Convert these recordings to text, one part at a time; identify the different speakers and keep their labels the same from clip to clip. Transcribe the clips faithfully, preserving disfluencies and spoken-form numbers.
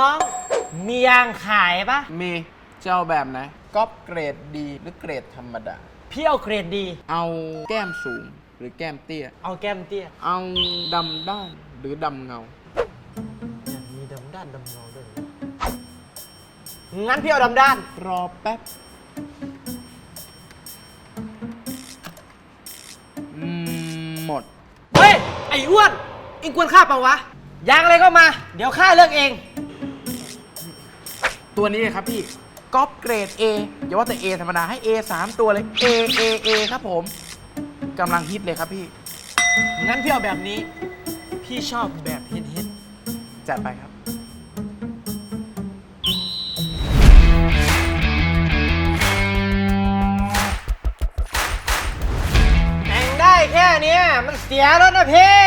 Speaker 1: องมียางขายปะ
Speaker 2: มีจะเอาแบบไหนก๊อปเกรดดีหรือเกรดธรรมดา
Speaker 1: พี่เอาเกรดดี
Speaker 2: เอาแก้มสูงหรือแก้มเตี้ย
Speaker 1: เอาแก้มเตี้ย
Speaker 2: เอาดำด้านหรือดำเงา
Speaker 1: มีดำด้านดำเงาด้วยงั้นพี่เอาดำด้าน
Speaker 2: รอแป๊บหมด
Speaker 1: เฮ้ยไอ้อ้วนอิงควรฆ่าเปล่าวะยางอะไรก็มาเดี๋ยวข้าเลือกเอง
Speaker 2: ตัวนี้เลยครับพี่ก๊อปเกรด A อย่าว่าแต่ A ธรรมดาให้ A สามตัวเลย A A A ครับผมกำลังฮิตเลยครับพี่
Speaker 1: งั้นพี่เอาแบบนี้พี่ชอบแบบฮิตฮิต
Speaker 2: จัดไปครับ
Speaker 1: แต่งได้แค่นี้มันเสียแล้วนะพี่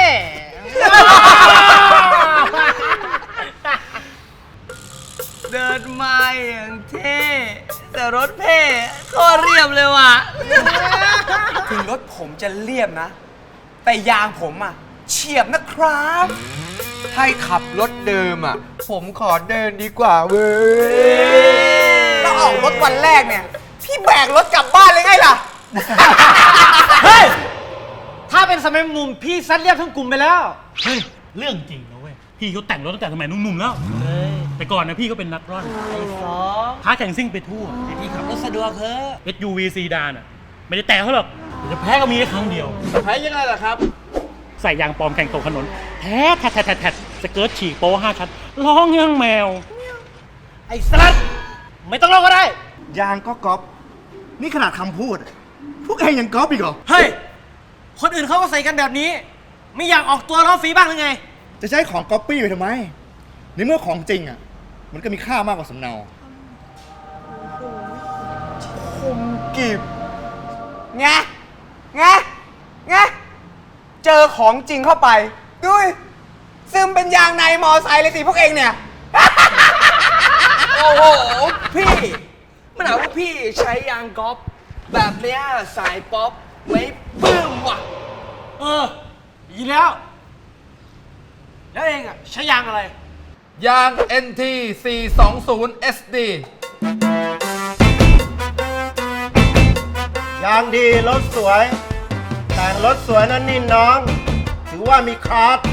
Speaker 3: เดินมาอย่างเท่แต่รถเพ่ก็เรียบเลยว่ะถึงรถผมจะเรียบนะแต่ยางผมอ่ะเฉียบนะครับให้ขับรถเดิมอ่ะผมขอเดินดีกว่าเว้ยแล้วออกรถวันแรกเนี่ยพี่แบกรถกลับบ้านเลยไงล่ะ
Speaker 1: เฮ้ยถ้าเป็นสมัยมุมพี่ซัดเรียบทั้งกลุ่มไปแล้ว
Speaker 4: เฮ้ยเรื่องจริงนะเว้ยพี่เขาแต่งรถตั้งแต่สมัยหนุ่มๆแล้วแต่ก่อนนะพี่ก็เป็นนักร่อน
Speaker 1: ไอ้สอง
Speaker 4: ท้าแข่งซิ่งไปทั่ว
Speaker 1: พี่ขับรถสะดวกเถอะ
Speaker 4: เอส ยู วี ซีดานอ่ะไม่ได้แต่เขาหรอกจะแพ้ก็มีแค่ครั้งเดียว
Speaker 2: แพ้ยังไงล่ะครับ
Speaker 4: ใส่ยางปลอมแข่งตกถนนแท้แทะแทะแทะสเกิร์ตฉีกโป้ห้าชั้นร้องยังแมว
Speaker 1: ไอ้สลัดไม่ต้องร้องก็ได้
Speaker 5: ยางก็ก๊อปนี่ขนาดคำพูดพวกเองยังก๊อปอีกเหรอ
Speaker 1: เฮ้ยคนอื่นเขาก็ใส่กันแบบนี้ไม่อยากออกตัวล้อฟรีบ้างหรือไง
Speaker 5: จะใช้ของก๊อปปี้ไปทำไมในเมื่อของจริงอ่ะมันก็มีค่ามากกว่าสำเนา
Speaker 2: คมกิบ
Speaker 3: ไงไงไงเจอของจริงเข้าไปดูซึมเป็นยางในมอไซค์เลยสิพวกเองเนี่ยโอ้โหพี่มันหาว่าพี่ใช้ยางก๊อปแบบเนี้ยสายป๊อปไม่ปื้มว่ะ
Speaker 1: เออยินแล้วแล้วเองอ่ะใช้ยางอะไร
Speaker 2: ยาง เอ็น ที สี่ สอง ศูนย์ เอส ดี
Speaker 5: ยางดีรถสวยแต่งรถสวยนั่นนี่น้องถือว่ามีคลาส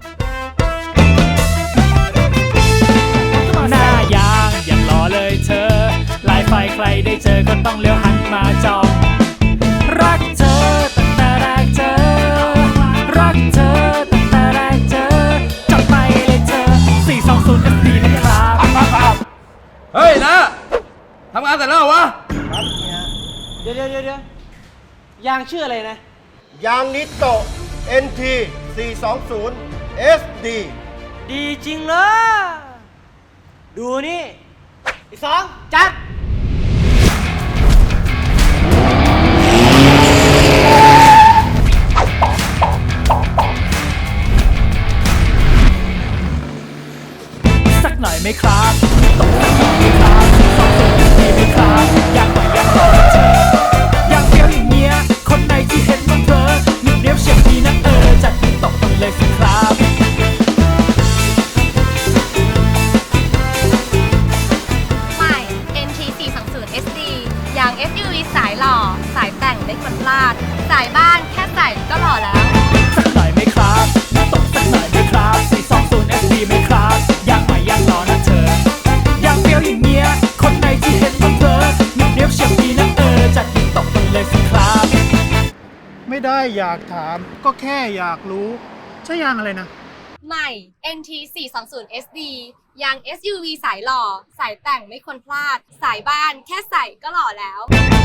Speaker 6: หน้ายางอย่างหล่อเลยเธอลายไฟใครได้เจอก็ต้องเลี้ยวหันมาจองรักเธอตั้งแต่แรกเจอรักเธอตั้งแต่แรกเจอจับไปเลยเธอสี่ สอง ศูนย์ เอส ดี นะครับ
Speaker 2: เฮ้ยนะทำงานแต่แล้ววะ
Speaker 1: เดี๋ยวเดี๋ยวเดี๋ยว ยางชื่ออะไรนะ
Speaker 5: ยางนิโต เอ็น ที สี่ สอง ศูนย์ เอส ดี
Speaker 1: ดีจริงเลยดูนี่อีกสองจัด
Speaker 6: สักหน่อยไหมครับตกสักหน่อยไหมครับสองตัวดีไหมครับอยากหน่อยอยากหน่อยเธออยากเฟี้ยวอย่างเงี้ยคนไหนที่เห็นมันเพลอหนึ่งเดียวเชียบดีนะเออจัดตกกันเลยสิครับ
Speaker 7: ใหม่ เอ็น ที สี่ สอง ศูนย์ เอส ดี ยาง เอส ยู วี สายหล่อสายแต่งไม่ควรพลาดสายบ้านแค่ใส่ก็หล่อแล้ว
Speaker 6: สักหน่อยไหมครับตกสักหน่อยไหมครับสี่ สอง ศูนย์ เอส ดี ไหมครับอยากใหม่อยากหล่อนะเธออยากเฟี้ยวอย่างเงี้ยคนไหนที่เห็นมันเพลอหนึ่งเดียวเชียบดีนะเออจัดตกกันเลยสิครับ
Speaker 5: ไม่ได้อยากถามก็แค่อยากรู้ใช่ยางอะไรนะ
Speaker 7: ใหม่ เอ็น ที สี่ สอง ศูนย์ เอส ดี ยาง เอส ยู วี สายหล่อสายแต่งไม่ควรพลาดสายบ้านแค่ใส่ก็หล่อแล้ว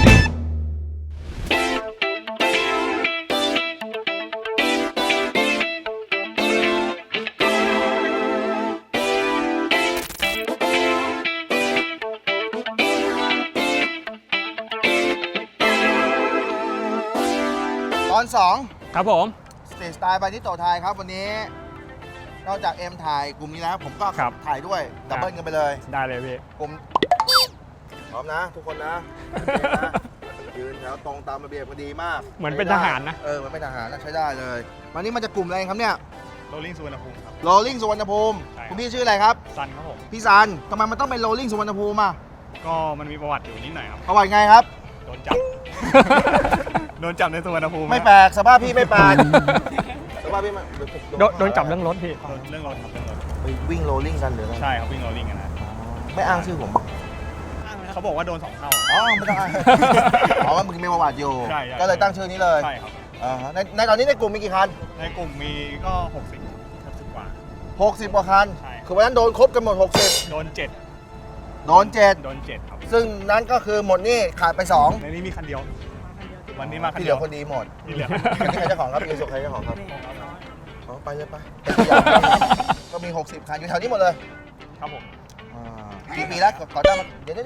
Speaker 5: ตอนสอง
Speaker 4: ครับผม
Speaker 5: สเตจสไตล์ไปที่โตไทยครับวันนี้นอกจากเอ็มถ่ายกลุ่มนี้แล้วผมก็ถ่ายด้วยดับเบิลกันไปเลย
Speaker 4: ได้เลยพี่
Speaker 5: ผมพร้อมนะทุกคนนะยืนแถวตรงตามระเบียบพอดีมาก
Speaker 4: เหมือนเป็นทหารนะ
Speaker 5: เออเหมือนเป็นทหารนะใช้ได้เลยวันนี้มันจะกลุ่มอะไรครับเนี่ย
Speaker 8: โรลลิ่งสุวรรณภูมิครับ
Speaker 5: โรลลิ่งสุวรรณภูมิ
Speaker 8: ใช่ครับ
Speaker 5: คุณพี่ชื่ออะไรครับ
Speaker 8: ซันครับผม
Speaker 5: พี่ซันทำไมมันต้องเป็นโรลลิ่งสุวรรณภูมิอ่ะ
Speaker 8: ก็มันมีประวัติอยู่นิดหน่อยครับ
Speaker 5: ประวัติไงครับ
Speaker 8: โดนจับ โดนจับในสุวรรณภูมิ
Speaker 5: ไม่แปลกสภาพพี่ไม่แปลกสภาพพี่มัน
Speaker 6: โดนโดนจับเรื่องรถพี่
Speaker 8: โดนเรื่องรถครับเรื่องรถ
Speaker 5: ไปวิ่งโรลลิ่งกันหรืออะไร
Speaker 8: ใช่ครับวิ่งโรลลิ่งกันนะ
Speaker 5: ไม่อ้างชื่อผม
Speaker 8: เขาบอกว่าโดนสองเท่า
Speaker 5: อ๋อไม่ต้องอ้างอ๋อมึงมีประวัติอยู่
Speaker 8: ใช่ใช่
Speaker 5: ก็เลยตั้งชื่อนี้เลย
Speaker 8: ใช่ครับ
Speaker 5: อ่าฮะในในตอนนี้ในกลุ่มมีกี่คัน
Speaker 8: ในกลุ่มมีก็หกสิบหกสิบกว่า
Speaker 5: หกสิบกว่าคัน
Speaker 8: ใช่
Speaker 5: คือวันนั้นโดนครบกันหมดหกสิบ
Speaker 8: โดนเจ็ด
Speaker 5: โดนเจ็ด
Speaker 8: โดนเจ็ดครับ
Speaker 5: ซึ่งนั้นก็คือหมดนี่ขาดไปสอง
Speaker 8: ในนี้มีคันเดียว วันนี้มาคัน
Speaker 5: ที่เห
Speaker 8: เดี
Speaker 5: ลื
Speaker 8: ย
Speaker 5: อ
Speaker 8: ว
Speaker 5: คนดีหมด
Speaker 8: ที่เหลือ
Speaker 5: อันนี้ใครเจ้าของครับอีสุใครเจ้าของครับอ๋อไปเลยไปก็มี หกสิบ คันอยู่แถวนี้หมดเลย
Speaker 8: ครับผม
Speaker 5: อ่ากี่ปีแล้วขอได้มาเดี๋ยวเดี๋ยว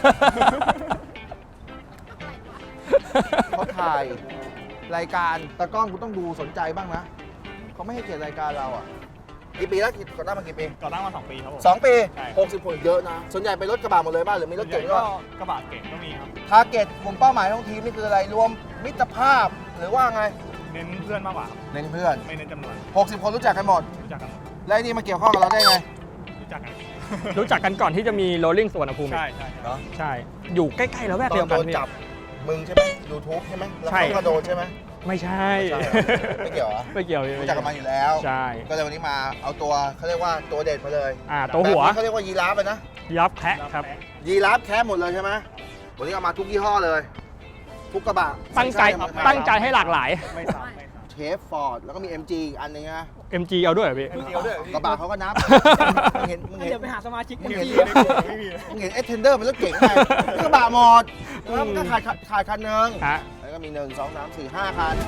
Speaker 5: เขาถ่ายรายการตากล้องกูต้องดูสนใจบ้างนะเขาไม่ให้เกียรติรายการเราอ่ะกี่ปีแล้วก่อตั้งมากี่ปี
Speaker 8: ก่อตั้งมาสองปีครับผม
Speaker 5: สองปี
Speaker 8: ใช่
Speaker 5: หกสิบคนเยอะนะส่วนใหญ่เป็นรถกระบะหมดเลยบ้างหรือมีรถเก๋ง
Speaker 8: ก็
Speaker 5: ก็
Speaker 8: กระบะเก่งก็มีครับ
Speaker 5: ทาร์เก็ตกลุ่มเป้าหมายของทีมนี่คืออะไรรวมมิตรภาพหรือว่าไง
Speaker 8: เน้นเพื่อนมากกว่าครับ
Speaker 5: เน้นเพื่อน
Speaker 8: ไม่เน้นจำนวน
Speaker 5: หกสิบ คนรู้จักกันหมด
Speaker 8: รู้จักกันหมด
Speaker 5: แล้วไอ้นี่มาเกี่ยวข้องกับเราได้ไง
Speaker 8: รู้จักกัน
Speaker 6: รู้จักกันก่อนที่จะมีโรลลิ่งสุวรรณภูมิ
Speaker 8: ใช่ใช่
Speaker 5: เนาะ
Speaker 6: ใช่ อยู่ใกล้ๆแล้วแวก
Speaker 5: ตอ
Speaker 6: เดีย
Speaker 5: น
Speaker 6: ว
Speaker 5: โด
Speaker 6: กัน
Speaker 5: น
Speaker 6: พี่
Speaker 5: จับมึงใช่ไหมยูทูบใช่ไหมแล้ว
Speaker 6: ใช่
Speaker 5: เขาก็โดนใช่ไหม
Speaker 6: ไม่ใช่
Speaker 5: ไม่เกี่ยวเหรอ
Speaker 6: ไม่เกี่ยวพี่
Speaker 5: รู้จักกันมาอยู่แล้ว
Speaker 6: ใช่
Speaker 5: ก็เลยวันนี้มาเอาตัวเขาเรียกว่าตัวเด็ดมาเลย
Speaker 6: อ่าตัวหัว
Speaker 5: แบบนี้เขาเรียกว่ายีราฟเลยนะ
Speaker 6: ยับแคะครับ
Speaker 5: ยีราฟแค่หมดเลยใช่ไหมวันนี้เอามาทุกยี่ห้อเลย ทุกกระบะ
Speaker 6: ตั้งใจ
Speaker 5: ช่ๆ
Speaker 6: ตั้งใจให้หลากหลาย
Speaker 8: ไม่ซ้ำไม่ซ้
Speaker 5: เชฟฟอร์ดแล้วก็มี เอ็ม จี อีกอันหนึงนะ
Speaker 6: เอ็ม จี เอาด้วยเหรอพี่
Speaker 8: ำเดียวด้วย
Speaker 5: กระบะเขาก็นับมึงเห็นมึงเห็น
Speaker 6: เดี๋ยวไปหาสมาชิก
Speaker 5: มึง
Speaker 6: เอ็ม
Speaker 5: เห็น
Speaker 6: จี
Speaker 8: ไม่มี
Speaker 5: มึงเห็นเอสเทนเดอร์เป็นรถเก๋งไงนี่กระบะหมดแล้วมันก็ขาดขาดขาดคันหนึง
Speaker 6: ฮะ
Speaker 5: แล้วก็มีหนึ่งสองสามสี่ห้าคัน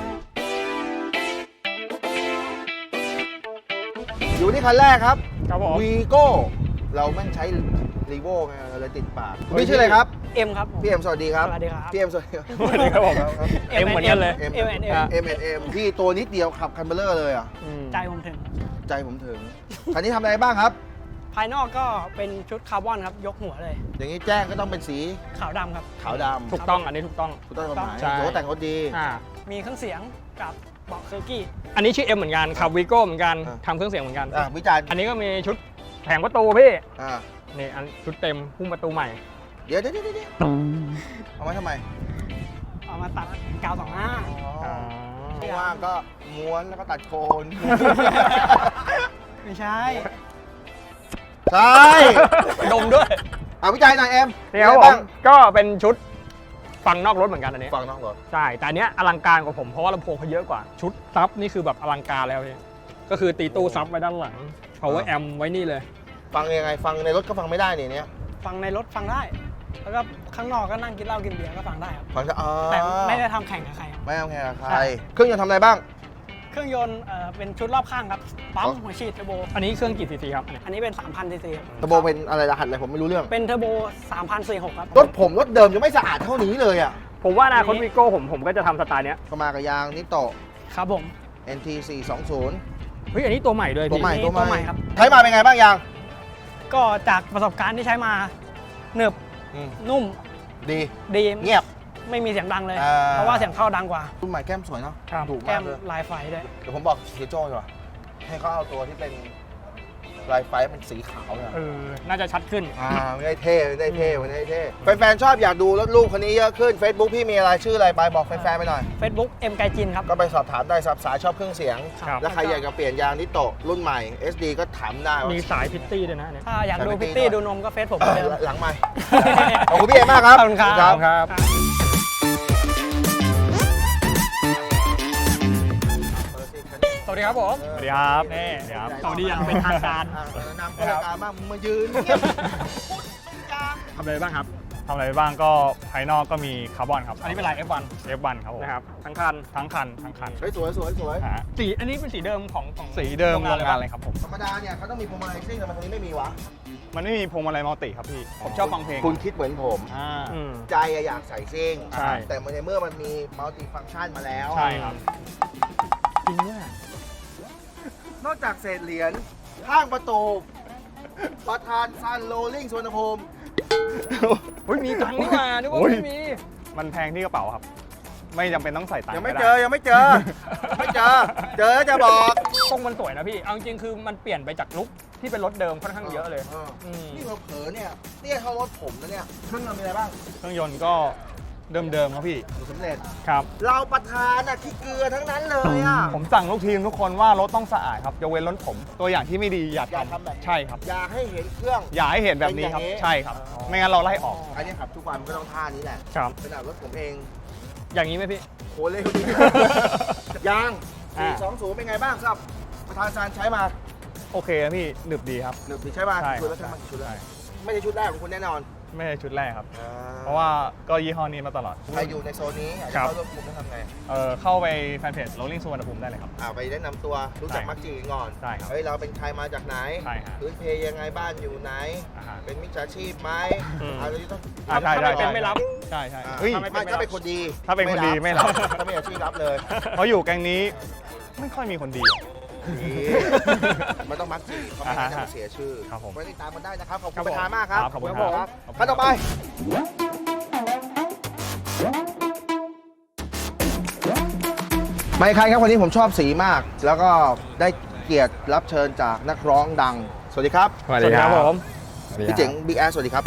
Speaker 5: อยู่ที่คันแรกครับ
Speaker 6: ครับผม
Speaker 5: วีโก้เราแม่งใช้รีโวไงเราเลยติดปากคุณพี่ชื่ออะไรครับ
Speaker 9: เอ็มครับผม
Speaker 5: พี่เอ็มสวัสดีครับ
Speaker 9: สวัสดีครับ
Speaker 5: พี่เอ็มสวัสดีครับ
Speaker 6: สวัสดีครับผม เอ็มเหมือนกันเลย
Speaker 5: เอ็ม
Speaker 9: เอ็ม
Speaker 5: เอ็ม
Speaker 9: เอ็ม
Speaker 5: เอ็มเอ็มพี่ตัวนิดเดียวขับคันเบลเลอร์เลยอ่ะ
Speaker 6: อืม
Speaker 9: ใจผมถึง
Speaker 5: ใจผมถึง คันนี้ทำอะไรบ้างครับ
Speaker 9: ภายนอกก็เป็นชุดคาร์บอนครับ ยกหัวเลย
Speaker 5: อย่างนี้แจ้งก็ต้องเป็นสี
Speaker 9: ขาวดำครับ
Speaker 5: ขาวดำ
Speaker 6: ถูกต้อง อันนี้ถูกต้อง
Speaker 5: ถูกต้องกฎหมาย
Speaker 6: ใช่
Speaker 5: ถือว่าแต่งรถดี
Speaker 6: อ่า
Speaker 9: มีเครื่องเสียงกับเบาะเคอร์กี้
Speaker 6: อันนี้ชื่อเอ็มเหมือนกันขับวีโก้เหมือนกัน
Speaker 5: อ่า
Speaker 6: ทำเครื่องเสียงเหมือนกัน
Speaker 5: อ่ะวิจารณ์
Speaker 6: อันนี้ก็มีชุดแผงประตูพี่
Speaker 5: อ่า
Speaker 6: นี่อันชุดเต็มพุ่มประตูใหม่
Speaker 5: เดี๋ยวเดี๋ยวเดี๋ยวเดี๋ยวเอาไว้ทำไม
Speaker 9: เอามาตัดกาวสองห้า
Speaker 5: อ๋อว่างๆก็ม้วนแล้วก็ตัดโคน
Speaker 9: ไม่ใช่
Speaker 5: ใช่
Speaker 6: ดมด้วย
Speaker 5: อ่ะวิจัยหน่อยเอ็ม
Speaker 6: นี่ครับ
Speaker 5: มี
Speaker 6: ผ
Speaker 5: อะไ
Speaker 6: มก็เป็นชุดฟังนอกรถเหมือนกันอันนี้
Speaker 5: ฟังน้องรถ
Speaker 6: ใช่ แต่อันเนี้ยอลังการกว่าผมเพราะว่าลำโพงเขาเยอะกว่า ชุดซับนี่คือแบบอลังการแล้วพี่ก็คือตีตู้ซับไว้ด้านหลัง power amp ไว้นี่เลย
Speaker 5: ฟังยังไงฟังในรถก็ฟังไม่ได้นี่เนี้ย
Speaker 9: ฟังในรถฟังได้ แล้วก็ข้างนอกก็นั่งกินเหล้ากินเบียร์ก็ฟังได้ครับ
Speaker 5: ฟังจะอ๋อ
Speaker 9: แต่ไม่ได้ทำแข่งกับใครครับ
Speaker 5: ไม่เอาแข่งกับใค
Speaker 9: ใช่
Speaker 5: ร เครื่องยนต์ทำอะไรบ้าง
Speaker 9: เครื่องยนต์เอ่อเป็นชุดรอบข้างครับ ปั๊ม
Speaker 5: อ๋อ
Speaker 9: หัวฉีดเทอร์โบ
Speaker 6: อันนี้เครื่องกี่ซีซีครับอันนี้
Speaker 9: อันนี้เป็น สามพันซีซีครับ
Speaker 5: เทอร์โบเป็นอะไรรหัสอะไรผมไม่รู้เรื่อง
Speaker 9: เป็นเทอร์โบสามพันสี่สิบหกครับ
Speaker 5: รถผมรถเดิมยังไม่สะอาดเท่านี้เลยอ่ะ
Speaker 6: ผมว่าอนาคตวีโก้ผมผมก็จะทำสไตล์เนี้ย
Speaker 5: ก็มากับยางนิโต
Speaker 9: ครับผม
Speaker 5: เอ็น ที สี่สองศูนย์
Speaker 6: เฮ้ยอันนี้ตัวใหม่ด้วย
Speaker 5: ตัว
Speaker 6: พี่
Speaker 5: ใหม่
Speaker 9: นี่
Speaker 5: ตัว
Speaker 9: ตัว
Speaker 5: ให
Speaker 9: ใหม่
Speaker 5: ม่
Speaker 9: ครับ
Speaker 5: ใช้มาเป็นไงบ้างยาง
Speaker 9: ก็จากประสบการณ์ที่ใช้มาหนึบ
Speaker 5: อืม
Speaker 9: นุ่ม
Speaker 5: ดี
Speaker 9: ดี
Speaker 5: เงียบ
Speaker 9: ไม่มีเสียงดังเลย
Speaker 5: อ่า
Speaker 9: เพราะว่าเสียงเข้าดังกว่า
Speaker 5: รุ่นใหม่แก้มสวยเนาะ
Speaker 6: ครับ
Speaker 5: ถูก
Speaker 9: แก้
Speaker 5: มาก
Speaker 9: ม
Speaker 5: เลย
Speaker 9: ลายไฟด้วย
Speaker 5: เดี๋ยวผมบอกเฮียโจ้ดีกว่าให้เขาเอาตัวที่เป็นลายไฟเป็นสีขาวเนี่ย
Speaker 6: เออ น่าจะชัดขึ้น
Speaker 5: อ่าไม่ได้เท่ไม่ได้เท่ไม่ได้เท่แฟนๆชอบอยากดูรถลูกคันนี้เยอะขึ้น Facebook พี่มีอะไรชื่ออะไรไปบอกแฟนๆไปหน่อย
Speaker 9: Facebook เอ็มไกจินครับ
Speaker 5: ก็ไปสอบถามได้สับสายชอบเครื่องเสียง
Speaker 6: ครับ
Speaker 5: แล้วใครอยากจะเปลี่ยนยางนิโตะรุ่นใหม่ เอส ดี ก็ถามได้ว่า
Speaker 6: มีสายพิตตี้ด้วยนะอันเนี่ย
Speaker 9: ถ้าอยากดู
Speaker 5: แต่ไม่
Speaker 9: พิต
Speaker 5: ตี
Speaker 9: ตี้
Speaker 5: ด้วย
Speaker 9: ดูนมก็เฟซผม
Speaker 5: เอ
Speaker 9: เหมือน
Speaker 5: อ
Speaker 9: เดิม
Speaker 5: หลังไม่ ขอบคุณพี่เอมากครับ
Speaker 9: ขอบคุณครับ
Speaker 6: ครับ สวัสดีครับผม
Speaker 8: สวัสดีครับ
Speaker 6: นี่
Speaker 8: สวัสดีครับ
Speaker 6: สวัสดีอย่างเป็นทางการ
Speaker 5: อ่ะแนะนำเข้ารายการบ้างมึงมายืนเงียบพูดไม่จา
Speaker 6: ทำอะไรบ้างครับ
Speaker 8: ทำอะไรบ้างก็ภายนอกก็มีคาร์บอนครับ
Speaker 6: อันนี้เป็นลาย เอฟ วัน
Speaker 8: เอฟวันครับผม
Speaker 6: นะครับ ทั้งคัน
Speaker 8: ทั้งคันทั้งคัน
Speaker 5: เฮ้ยสวยสวยสวย
Speaker 8: ฮะ
Speaker 6: สี อันนี้เป็นสีเดิมของของ
Speaker 8: สีเดิมโรงงาน
Speaker 6: เล
Speaker 8: เลย ยครับผม
Speaker 5: ธรรมดาเนี่ยเขาต้องมีพวงมาลัยซิ่งแต่มันตรงนี้ไม่มีวะ
Speaker 8: มันไม่มีพวงมาลัยมัลติครับพี่ ผมชอบฟังเพลง
Speaker 5: คุณคิดเหมือนผม
Speaker 8: อ่า
Speaker 6: อืม
Speaker 5: ใจอะอยากใส่ซิ่ง
Speaker 6: ใช่
Speaker 5: แต่ในเมื่อมันมีมัลติฟังก์ชันมาแล้ว
Speaker 8: ใช่ครับ
Speaker 6: จริงเนี่ย
Speaker 5: นอกจากเศษเหรียญข้างประตู ประธานซันโรลลิ่งสวนภูมิ
Speaker 6: เฮ้ยมีตังค์นี่หว่านึกว่า
Speaker 8: โอ้ย
Speaker 6: ไม่มี
Speaker 8: มันแพงที่กระเป๋าครับไม่จำเป็นต้องใส่ตังค์
Speaker 5: ยังไม่
Speaker 8: ก็
Speaker 5: เจ
Speaker 8: ด้
Speaker 5: อยังไม่เจอไม่เจอ เจอแล้วจะบอก
Speaker 9: ทรงมันสวยนะพี่ เอาจริงๆคือมันเปลี่ยนไปจากลุคที่เป็นรถเดิมค่อนข้างเยอะเลย
Speaker 5: ออ
Speaker 9: อืม
Speaker 5: นี่เราเผลอเนี่ยเตี้ยเท่ารถผมนะเนี่ยเครื่องยนต์มีอะไรบ้าง
Speaker 8: เครื่องยนต์ก็เดิมๆครับพี่
Speaker 5: สูตรสำเร็จ
Speaker 8: ครับ
Speaker 5: เราประธานอะขี้เกลือทั้งนั้นเลยอะ
Speaker 8: ผมสั่งลูกทีมทุกคนว่ารถต้องสะอาดครับยกเว้นรถผม ตัวอย่างที่ไม่ดีอย่า
Speaker 5: อย่า
Speaker 8: ทำ
Speaker 5: ทำแบบนี้
Speaker 8: ใช่ครับ
Speaker 5: อย่าให้เห็นเครื่อง
Speaker 8: อย่าให้เห็นแบบนี้ครับ
Speaker 5: เป็นอย่างนี้
Speaker 8: ใช่ครับ ไม่งั้นเราไล่ออก
Speaker 5: อันนี้ขับทุกวันมันก็ต้องท่านี้แหละ
Speaker 8: ครับ
Speaker 5: ขนาดรถผมเอง
Speaker 9: อย่างนี้ไหมพี่
Speaker 5: โหเร็วดี ยาง
Speaker 9: อ่า
Speaker 5: สี่สองศูนย์เป็นไงบ้างครับประธานซานใช้มา
Speaker 8: โอเคครับพี่หนึบดีครับ
Speaker 5: หนึ่งปีใช้มา
Speaker 8: ใช่
Speaker 5: กี่ชุดแล้วใช้มากี่ชุดแล้ว
Speaker 8: ใช่
Speaker 5: ไม่ใช่ชุดแรกของคุณแน่นอน
Speaker 8: ไม่ใช่ชุดแรกครับ
Speaker 5: อ่
Speaker 8: เพราะว่าก็ยี่ห้อนี้มาตลอด
Speaker 5: ใครอยู่ในโซนนี้อยาก
Speaker 8: ครั
Speaker 5: จะ
Speaker 8: บ
Speaker 5: เข้าร่วมกลุ่มต้องทำไง
Speaker 8: เอ่อเข้าไปแฟนเพจ Rolling สุวรรณภูมิได้เลยครับ
Speaker 5: อ่าไปแนะนำตัวรู้จัก
Speaker 8: ใช่
Speaker 5: มักจีก่อน
Speaker 8: ใช่ครับ
Speaker 5: เฮ้ยเราเป็นใครมาจากไหน
Speaker 8: ใช่ฮะ
Speaker 5: พื้นเพยังไงบ้านอยู่ไหน
Speaker 8: อ่าฮะ
Speaker 5: เป็นมิจฉาชีพไหม
Speaker 8: อืม
Speaker 5: อะไรที่ต้อง
Speaker 8: อ่าใช่
Speaker 9: ถ้า
Speaker 8: ใช่
Speaker 9: ไม่เป็นไม่รับ
Speaker 8: ใช่ใช่
Speaker 5: อ่า
Speaker 8: เฮ้ย
Speaker 5: ไม่ถ้าเป็นคนดี
Speaker 8: ถ้าเป็นคนดีไม่รับ
Speaker 5: ถ้าไม่อาชีพรับเลย
Speaker 8: เพราะอยู่แก๊งนี้ไม่ค่อยมีคนดี
Speaker 5: นี่มันต้องมักจีเขาไม่งั้นจะมาเสียชื่อ
Speaker 8: ครับผม
Speaker 5: ไว้ติดตามกันได้นะครับขอบคุ
Speaker 8: ครั
Speaker 5: ณ
Speaker 8: บ
Speaker 5: ประธานมากครับ
Speaker 8: ครับขอบคุณครับ
Speaker 5: ครับ
Speaker 8: ขอบคุณ
Speaker 5: ขั้นต่อไป ไม่ใครครับวันนี้ผมชอบสีมาก แล้วก็ได้เกียรติรับเชิญจากนักร้องดัง สวัสดีครับ
Speaker 8: สวัสดีครับผม
Speaker 5: พี่เจ๋งบิ๊กแอสสวัสดีครับ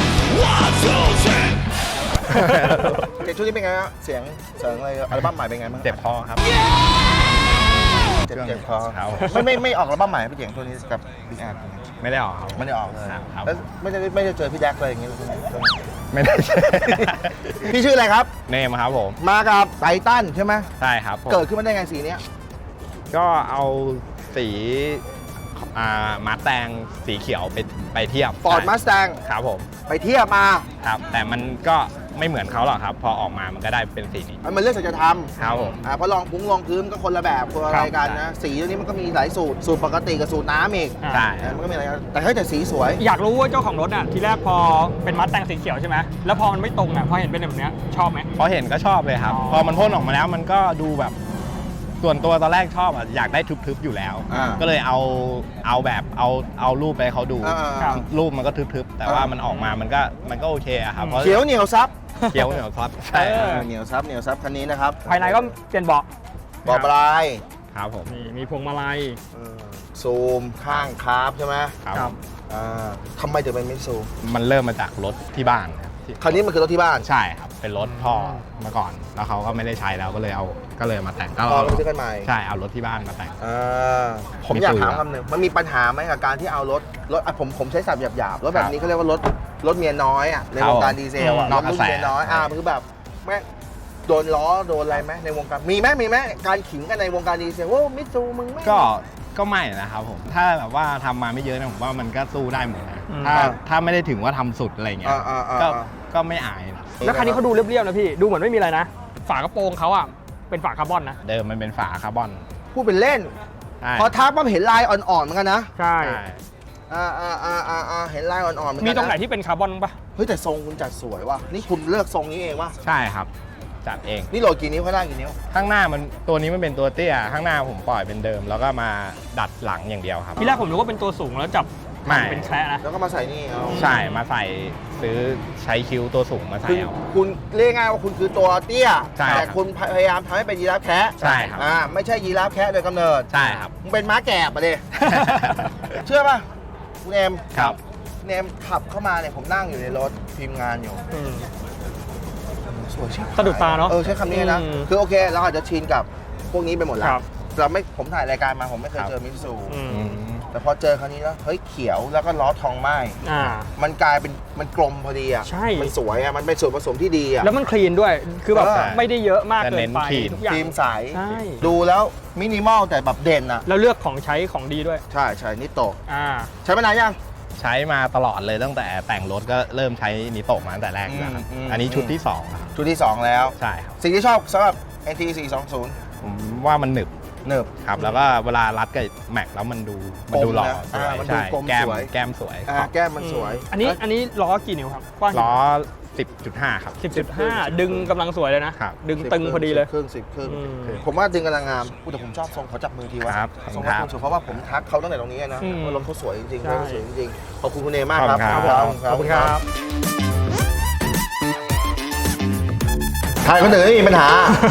Speaker 5: เจ๋งช่วงนี้เป็นไงฮะเสียงเสียงอะไรอัลบั้มใหม่เป็นไงบ้าง
Speaker 8: เจ็บคอครับ
Speaker 5: เจ็บเจ็บคอ
Speaker 8: ครับ
Speaker 5: ไม่ไม่ไม่ออกอัลบั้มใหม่พี่เจ๋งช่วงนี้กับบิ๊กแอส
Speaker 8: ไม่ได้ออกครับ
Speaker 5: ไม่ได้ออกเลย
Speaker 8: ครับ
Speaker 5: แล้วไม่ได้ไม่ได้เจอพี่แดกเลยอย่างเงี้ยช่วงนี้
Speaker 8: ไม่ได้
Speaker 5: พี่ชื่ออะไรครับ
Speaker 8: เนมครับผม
Speaker 5: มากับไททันใช่ไหม
Speaker 8: ใช่ครับผม
Speaker 5: เกิดขึ้นมาได้ไงสีเนี้ย
Speaker 8: ก็เอาสีอ่ามาแตงสีเขียวไปไปเทียบ
Speaker 5: ฟอร์ดมาสแตง
Speaker 8: ครับผม
Speaker 5: ไปเทียบมา
Speaker 8: ครับ แต่มันก็ไม่เหมือนเขาหรอกครับ พอออกมามันก็ได้เป็นสีนี้
Speaker 5: มันเรื่องสัจธรรม
Speaker 8: ครับผม
Speaker 5: อ่าเพราะลองพุ้งลองพื้นก็คนละแบบคนละ
Speaker 8: ครั
Speaker 5: รา
Speaker 8: บ
Speaker 5: ยกันนะ สีตัวนี้มันก็มีหลายสูตร สูตรปกติกับสูตรน้ำอีก
Speaker 8: ใช่
Speaker 5: อ่ามันก็มีอะไรกันแต่เฮ้ยแต่สีสวย
Speaker 9: อยากรู้ว่าเจ้าของรถอ่ะทีแรกพอเป็นมัดแต่งสีเขียวใช่ไหมแล้วพอมันไม่ตรงอ่ะพอเห็นเป็นแบบเนี้ยชอบไหม
Speaker 8: พอเห็นก็ชอบเลยครับ
Speaker 9: อ๋อ
Speaker 8: พอมันพ่นออกมาแล้วมันก็ดูแบบ ส่วนตัวตอนแรกชอบอ่ะอยากได้ทึบๆอยู่แล้ว
Speaker 5: อ่า
Speaker 8: ก็เลยเอาเอาแบบเอาเอารูปไปให้เขาดู
Speaker 5: อ่า
Speaker 9: ครับ
Speaker 8: รูปมันก็ทึบๆ แต่ว่ามันออกมามันก็มันก็โอเคอะครับเพราะ
Speaker 5: เขียวเหนียวซับ
Speaker 8: เขียวเหนียวซับใช่
Speaker 9: เออ
Speaker 5: เหนียวซับเหนียวซับคันนี้นะครับ
Speaker 9: ภายในก็เปลี่ยนเบาะ
Speaker 5: บอกปลาย
Speaker 8: ครับผม
Speaker 9: นี่มีพวงมาลัย
Speaker 5: เออซูมข้างคาร์บใช่ไหม
Speaker 8: ครับ
Speaker 9: ครับ
Speaker 5: อ่าทำไมถึงเป็นมิตซู
Speaker 8: มันเริ่มมาจากรถที่บ้านครับที่
Speaker 5: คันนี้มันคือรถที่บ้าน
Speaker 8: ใช่ครับ เป็นรถพ่อมาก่อน แล้วเขาก็ไม่ได้ใช้แล้วก็เลยเอาก็เลยมาแต่งก็
Speaker 5: พอเราซื้อกันใหม่
Speaker 8: ใช่เอารถที่บ้านมาแต่ง
Speaker 5: อ่าผมอยาก
Speaker 8: มิตซู
Speaker 5: ถามคำหนึ่งมันมีปัญหาไหมกับการที่เอารถรถอ่ะผมผมใช้ศัพท์หยาบๆรถแบบนี้เขาเรียกว่ารถรถเมียน้อยอ่ะในวงการดีเซลอ่ะ
Speaker 8: นอกกระแส
Speaker 5: ถเมียน้อยอ่ามันคือแบบแม่งโดนล้อโดนอะไรไหมในวงการมีไหมมีไหมการขิงกันในวงการดีเซลว่ามิตซูมึงไม่
Speaker 8: ก็ก็ไม่นะครับผม ถ้าแบบว่าทำมาไม่เยอะนะผมว่ามันก็สู้ได้หมดนะ
Speaker 9: อืม
Speaker 8: ถ้าถ้าไม่ได้ถึงว่าทำสุดอะไรเงี้ย
Speaker 5: อ่าอ่าอ่า
Speaker 8: ก็
Speaker 5: อ่า
Speaker 8: ก็ไม่อายนะ
Speaker 9: แล้วคันนี้เขาดูเรียบๆนะพี่ ดูเหมือนไม่มีอะไรนะ ฝากระโปรงเขาอ่ะเป็นฝาคาร์บอนนะ
Speaker 8: เดิมมันเป็นฝาคาร์บอน
Speaker 5: พูดเป็นเล่น
Speaker 8: ใช่
Speaker 5: พอทักปั๊บเห็นลายอ่อนๆเหมือนกันนะ
Speaker 9: ใช่
Speaker 8: ใช่
Speaker 5: อ่าอ่าอ่าอ่าอ่าเห็นลายอ่อนๆเหมือนกั
Speaker 9: มี
Speaker 5: น
Speaker 9: ตรงไหน
Speaker 5: นะ
Speaker 9: ที่เป็นคาร์บอนบ้างปะ
Speaker 5: เฮ้ยแต่ทรงคุณจัดสวยว่ะนี่คุณเลือกทรงนี้เองว่ะ
Speaker 8: ใช่ครับ จัดเอง
Speaker 5: นี่โหลดกี่นิ้วข้างล่างกี่นิ้ว
Speaker 8: ข้างหน้ามันตัวนี้มันเป็นตัวเตี้ย ข้างหน้าผมปล่อยเป็นเดิม แล้วก็มาดัดหลังอย่างเดียวครับ
Speaker 9: ทีแรกผมนึกว่าเป็นตัวสูงแล้วจับ
Speaker 8: ไม่
Speaker 9: เป็นแคระนะ
Speaker 5: แล้วก็มาใส่นี่เอา
Speaker 8: ใช่ มาใส่ซื้อใช้คิ้วตัวสูงมาใส่
Speaker 5: คุณ
Speaker 8: เอา
Speaker 5: คุณเรียกง่ายว่าคุณคือตัวเตี้ย
Speaker 8: ใช่
Speaker 5: แต่
Speaker 8: ครับ
Speaker 5: คุณพยายามทำให้เป็นยีราฟแคะ
Speaker 8: ใช่ครับ
Speaker 5: อ่าไม่ใช่ยีราฟแคะโดยกำเนิด
Speaker 8: ใช่ครับ
Speaker 5: มึงเป็นม้าแกะ ปะเด เชื่อป่ะคุณเอม
Speaker 8: ครับ
Speaker 5: คุณเอมขับเข้ามาเนี่ยผมนั่งอยู่ในรถทีมงานอยู่
Speaker 9: อืม
Speaker 5: สวยใช่
Speaker 9: สะดุดตาเนอะ
Speaker 5: เออใช้คำนี้นะ
Speaker 9: อืม
Speaker 5: คือโอเคเราอาจจะชินกับพวกนี้ไปหมดแล้
Speaker 9: ครั
Speaker 5: ว
Speaker 9: บ
Speaker 5: เราไม่ผมถ่ายรายการมาผมไม่เคย
Speaker 8: ครับ
Speaker 5: เจอมิตซู
Speaker 9: อืม
Speaker 8: อืม
Speaker 5: แต่พอเจอครั้นี้แล้วเฮ้ยเขียวแล้วก็ล้อทองไหม้
Speaker 9: อ่า
Speaker 5: มันกลายเป็นมันกลมพอดีอ่ะ
Speaker 9: ใช่
Speaker 5: มันสวยอ่ะมันเป็นส่วนผสมที่ดีอ่ะ
Speaker 9: แล้วมันคลีนด้วย คือแบบ
Speaker 5: เออ
Speaker 9: ไม่ได้เยอะมาก
Speaker 8: แต่
Speaker 9: เกิ
Speaker 8: เน้
Speaker 9: น
Speaker 8: น
Speaker 9: ไป
Speaker 8: คลีน
Speaker 9: ทุกอย่าง
Speaker 5: ทีมใส
Speaker 9: ใช่
Speaker 5: ดูแล้วมินิมอลแต่แบบเด่นอ่ะ
Speaker 9: แล้วเลือกของใช้ของดีด้วย
Speaker 5: ใช่ใช่นิโตะ
Speaker 9: อ่า
Speaker 5: ใช้มานานยัง
Speaker 8: ใช้มาตลอดเลยตั้งแต่แต่งรถก็เริ่มใช้นิโตะมาตั้งแต่แรกแล้วครับ
Speaker 5: อืมอืม
Speaker 8: อันนี้ชุดที่สองแล้วครับ
Speaker 5: ชุดที่สองแล้ว
Speaker 8: ใช่ครับ
Speaker 5: สิ่งที่ชอบสำหรับ เอ็น ที สี่สองศูนย์
Speaker 8: ผมว่ามันหนึบ
Speaker 5: เนิบ
Speaker 8: ครับ แล้วก็เวลารัดกับแม็กแล้วมันดูมันดูหล่อ
Speaker 5: นะ
Speaker 8: สวย
Speaker 5: อ่ามันดู
Speaker 8: ใช่
Speaker 5: กลม
Speaker 8: แก้ม
Speaker 5: สวย
Speaker 8: แก้มสวย
Speaker 5: อ่าแก้มมันสวย
Speaker 9: อันนี้อันนี้ล้อกี่นิ้วครับ กว้าง
Speaker 8: ล้อ สิบจุดห้า ครับ
Speaker 9: สิบจุดห้าดึงกำลังสวยเลยนะ
Speaker 8: ครับ
Speaker 9: ดึงตึงพอดีเลย
Speaker 5: ครึ่งสิบครึ่ง
Speaker 9: อืม
Speaker 5: ผมว่าดึงกำลังงามอุ๊ยแต่ผมชอบทรงเขาจับมือทีว่า
Speaker 8: ครับ
Speaker 5: ทรง
Speaker 8: ครั
Speaker 5: เขา
Speaker 8: บ
Speaker 5: สวยเพราะว่าผมทักเขาตั้งแต่ตรงนี้นะ
Speaker 9: อืม
Speaker 5: ว่ารถเขาสวยจริงๆ
Speaker 9: ใช่
Speaker 5: รถเขาสวยจริงๆขอบคุณคุณเอมากครับ
Speaker 8: ขอบคุณครับ
Speaker 9: ขอบคุณครับ
Speaker 5: ใครคนอื่นไม่มีปัญหา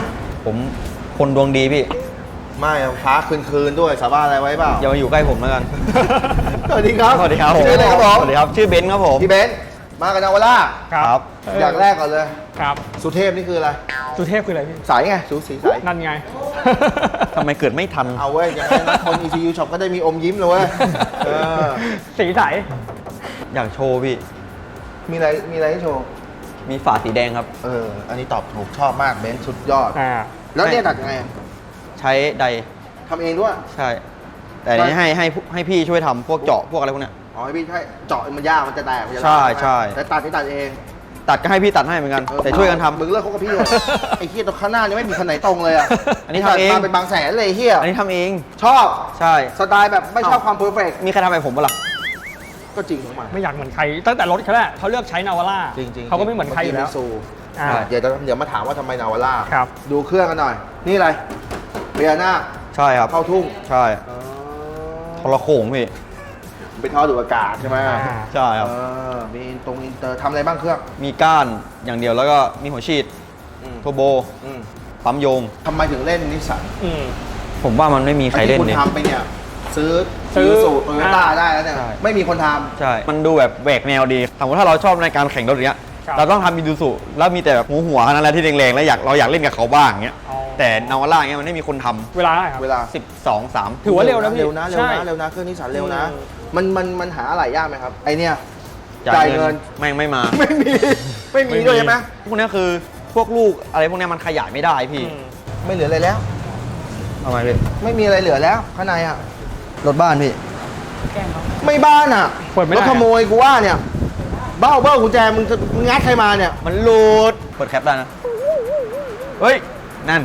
Speaker 10: ผมคนดวงดีพี่
Speaker 5: ไม่ฟ้าคืนคืนๆด้วยสาบานอะไรไว้เปล่า
Speaker 10: อย่ามาอยู่ใกล้ผมแล้วกัน
Speaker 5: สวัสดีครับ
Speaker 10: สวัสดีครับผม
Speaker 5: ชื่ออะไรครับผม
Speaker 10: สวัสดีครับ ชื่อเบนซ์ครับผม
Speaker 5: พี่เบนซ์มากับนาวาร่า
Speaker 10: ครับ
Speaker 5: อย่างแรกก่อนเลย
Speaker 9: ครับ
Speaker 5: สุเทพนี่คืออะไร
Speaker 9: สุเทพคืออะไรพี่
Speaker 5: สายไงสูสีสาย
Speaker 9: นั่นไง
Speaker 10: ทำไมเกิดไม่ทัน
Speaker 5: เอาเว้ยอย่างนั้นนะคน อี ซี ยู Shop ก็ได้มีอมยิ้มเลยเว้ยเออ
Speaker 9: สีใส
Speaker 10: อยากโชว์พี่
Speaker 5: มีอะไรมีอะไรให้โชว์
Speaker 10: มีฝาสีแดงครับ
Speaker 5: เออ อันนี้ตอบถูกชอบมากเบนซ์สุดยอด
Speaker 9: อ่า
Speaker 5: แล้วเนี่ยตัดยังไง
Speaker 10: ใช้ได
Speaker 5: ทำเองด้วย
Speaker 10: ใช่ แต่อันนี้ให้ให้ให้พี่ช่วยทำพวกเจาะพวกอะไรพวกเนี้ย
Speaker 5: อ๋อให้พี่ใช่เจาะมันยากมันจะแตกมันจะ
Speaker 10: ใช่
Speaker 5: ร้าว
Speaker 10: ใช่
Speaker 5: แต่ตัดที่ตัดเอง
Speaker 10: ตัดก็ให้พี่ตัดให้เหมือนกัน
Speaker 5: เออ
Speaker 10: แต่ช่วยกันทำ
Speaker 5: มึงเลิกคบกับพี่เลย ไอ้เฮียตรงข้างหน้านี่ไม่มีคันไหนตรงเลยอ่ะ
Speaker 10: อันนี้ทำเอง
Speaker 5: มาเป็นบางแสนเลยไอ้เฮีย
Speaker 10: อันนี้ทำเอง
Speaker 5: ชอบ
Speaker 10: ใช่
Speaker 5: สไตล์แบบไม่ชอบความเพอร์เฟกต์
Speaker 10: มีใครทำแบบผมปะล่ะ
Speaker 5: ก็จริงของมัน
Speaker 9: ไม่อยากเหมือนใคร ตั้งแต่รถเขาแหละเขาเลือกใช้นาวาร่า
Speaker 5: จริงๆ
Speaker 9: เขาก็ไม่เหมือนใครอยู่แล้ว
Speaker 5: เมื่กี้มิตซู
Speaker 9: อ่า
Speaker 5: เดี๋ยวจะเดี๋ยวมาถามว่าทำไมนาวาร่า
Speaker 9: ครับ
Speaker 5: ดูเครื่องกันหน่อย นี่อะไรเบียร์หน้า
Speaker 10: ใช่ครับ
Speaker 5: เข้าทุ่ง
Speaker 10: ใช่ทรโขงพี่
Speaker 5: เป็นท่อดูดอากาศใช่ไหม
Speaker 9: อ่า
Speaker 10: ใช่ครับ
Speaker 5: เออมีตรงอินเตอร์ทำอะไรบ้างเครื่อง
Speaker 10: มีก้านอย่างเดียวแล้วก็มีหัวฉีด
Speaker 5: อืม
Speaker 10: โทโบ
Speaker 5: อืม
Speaker 10: ปั๊มโยง
Speaker 5: ทำไมถึงเล่นนิสสัน
Speaker 9: อืม
Speaker 10: ผมว่ามันไม่มีใครเล่น
Speaker 5: ไอ้ที่
Speaker 10: เนี่ย
Speaker 5: คุณทำไปเนี่ย ซื้อ
Speaker 9: ซื้อ
Speaker 5: สูตรโตโยต้า
Speaker 9: อ่า
Speaker 5: ได้แล้วเนี่ย
Speaker 10: ใช่
Speaker 5: ไม่มีคนท
Speaker 10: ใช่ มันดูแบบแหวกแนวดีสมมติถ้าเราชอบในการแข่งรถอย่างเงี้ย
Speaker 9: ครับ
Speaker 10: เราต้องทำมิดูสุแล้วมีแต่แบบหัวหัวๆนั่นแหละที่แรงๆแล้วอยากเราอยากเล่นกับเขาบ้างเงี้ย
Speaker 9: อ๋อ
Speaker 10: แต่นาวาร่าเงี้ยมันไม่มีคนทำ
Speaker 9: เวลาเท่าไหร่ครับ
Speaker 5: ำเวลา
Speaker 10: สิบสองสาม
Speaker 9: ถือว่าเร็วนะพี่
Speaker 5: เร็วนะเร็ว
Speaker 9: ใช่
Speaker 5: นะเร็วนะเครื่องนิสสันเร็วนะ
Speaker 9: อืม
Speaker 5: มันมันมันหาอะไรยากไหมครับ ไอเนี่ย
Speaker 10: จ่า
Speaker 5: จ่าย ย
Speaker 10: เงิ
Speaker 5: เงิ
Speaker 10: น
Speaker 5: น
Speaker 10: แม่งไม่มา
Speaker 5: ไม่มี ไม่มีด้วยใช่ไหม
Speaker 10: พวกเนี้ยคือพวกลูกอะไรพวกเนี้ยมันขยายไม่ได้พี่
Speaker 9: อืม
Speaker 5: ไม่เหลืออะไรแล้ว
Speaker 10: ทำไมพี่
Speaker 5: ไม่มีอะไรเหลือแล้วข้างในอ่ะ
Speaker 10: รถบ้านพี่
Speaker 5: ไม่บ้านอ่ะ
Speaker 9: เปิดไม่ได้
Speaker 5: รถขโมยกูว่าเนี่ย เบ้าเบ้ากุญแจมึงจะมึงงัดใครมาเนี่ย
Speaker 10: มันหลุดเปิดแคปได้นะเฮ้ยนั่น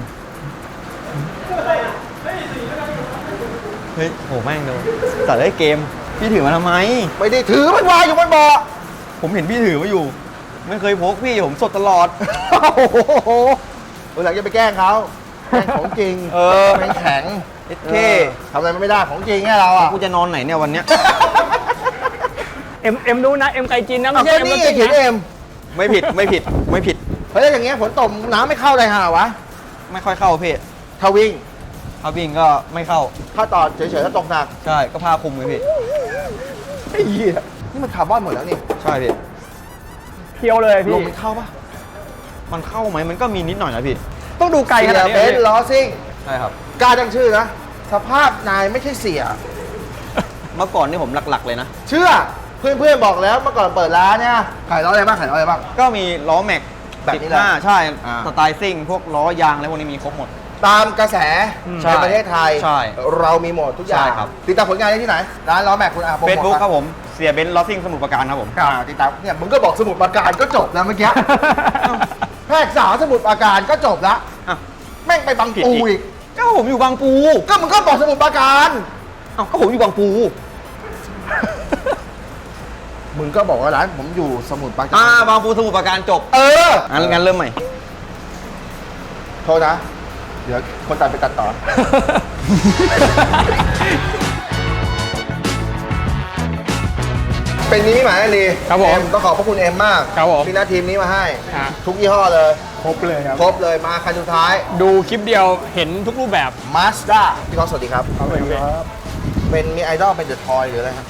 Speaker 10: เฮ้ยโหแม่งโดนตัดได้เกมพี่ถือมาทำไม
Speaker 5: ไม่ได้ถือมันวางอยู่บนเบาะ
Speaker 10: ผมเห็นพี่ถือมาอยู่ ไม่เคยพกพี่ผมสดตลอด
Speaker 5: โอ้โหวันหลังจะไปแกล้งเขาแกล้งของจริง
Speaker 10: เออ
Speaker 5: แม่งแข็ง
Speaker 10: เอสเค
Speaker 5: เออทำอะไรมันไม่ได้ของจริงไงเราอ่ะ
Speaker 10: กูจะนอนไหนเนี่ยวันเนี้ย
Speaker 9: เอ็มเอ็มดูนะ เอ็มไกจินนะ ไม่
Speaker 5: เอา
Speaker 9: ใช่
Speaker 5: ก็
Speaker 9: เอ็ม
Speaker 5: นี่
Speaker 9: รถ
Speaker 5: ไง
Speaker 9: ซิ่ง
Speaker 5: เขียน
Speaker 9: นะ
Speaker 5: เอ็ม
Speaker 10: ไม่ผิดไม่ผิดไม่ผิด
Speaker 5: เฮ้ยแล้วอย่างเงี้ยฝนตกน้ำไม่เข้าเลยฮะวะ
Speaker 10: ไม่ค่อยเข้าพี่
Speaker 5: ถ้าวิ่ง
Speaker 10: ถ้าวิ่งก็ไม่เข้า
Speaker 5: ถ้าต่อเฉยๆถ้าตกหนัก
Speaker 10: ใช่ก็ผ้าคลุมเลยพี่
Speaker 5: ไอ้เหี้ยนี่มันคาร์บอนหมดแล้วนี่
Speaker 10: ใช่พี่
Speaker 9: เพียวเลย
Speaker 5: ล
Speaker 9: พี่
Speaker 5: มมันเข้าปะ
Speaker 10: มันเข้าไหมมันก็มีนิดหน่อยนะพี่
Speaker 9: ต้องดูไกลขนาดนี้
Speaker 5: เบ
Speaker 9: เลย
Speaker 5: น
Speaker 9: พี่
Speaker 5: ซ์ล้อซิ่ง
Speaker 10: ใช่ครับ
Speaker 5: กล้าดังชื่อนะ สภาพนายไม่ใช่เสีย
Speaker 10: เมื่อก่อนนี่ผมหลักๆเลยนะ
Speaker 5: เชื่อเพื่อนๆบอกแล้วเมื่อก่อนเปิดร้านเนี่ยขายล้ออะไรบ้างขายล้ออะไรบ้าง
Speaker 10: ก็มีล้อแม็ก
Speaker 5: แบบนี้แหละ
Speaker 10: สิบห้าใช่
Speaker 5: อ่า
Speaker 10: สไตล์ซิ่งพวกล้อยางอะไรพวกนี้มีครบหมด
Speaker 5: ตามกระแส
Speaker 10: ใช่
Speaker 5: ในประเทศไทย
Speaker 10: ใช่
Speaker 5: เรามีหมดทุกอย่าง
Speaker 10: ใช่ครับ
Speaker 5: ติดตามผลงานได้ที่ไหน ร้านล้อแม็กคุณอาโปรโมท
Speaker 10: เฟซบุ๊ก
Speaker 5: ปะ
Speaker 10: ครับผมเสียเบนซ์ล้อซิ่งสมุทรปราการครับผม
Speaker 5: อ่าติดตามเนี่ยมึงก็บอกสมุดปราการก็จบแล้วเมื่อกี้ แพรกษาสมุดปราการก็จบแล้ว
Speaker 10: อ้าว
Speaker 5: แม่งไปบาง
Speaker 10: ผิด
Speaker 5: ปู
Speaker 10: อีก
Speaker 5: อีก
Speaker 10: ก็ผมอยู่บางปู
Speaker 5: ก็มึงก็บอกสมุดปราการ
Speaker 10: เอ้าก็ผมอยู่บางปู
Speaker 5: มึงก็บอกว่าร้านผมอยู่สมุดปราการ
Speaker 10: อ่าบางปูสมุทรปราการจบ
Speaker 5: เออ
Speaker 10: งั้นงั้นเริ่มใหม่
Speaker 5: โทษนะ เดี๋ยวคนตัดไปตัดต่อ เป็นนี้หมายลี
Speaker 9: ครับผม
Speaker 5: เอ็มต้องขอบพระคุณเอ็มมาก
Speaker 9: ครับผม
Speaker 5: ที่หน้าทีมนี้มาให้
Speaker 9: ฮะ
Speaker 5: ทุกยี่ห้อเลย
Speaker 9: ครบเลยครับ
Speaker 5: ครบเลยมาคันสุดท้าย
Speaker 9: ดูคลิปเดียวเห็นทุกรูปแบบ
Speaker 5: Mazda พี่ก้องสวัสดีครับ
Speaker 9: ครับผม
Speaker 5: เป็นมีไอดอลเป็นเดอะทอยหรืออะไรครับ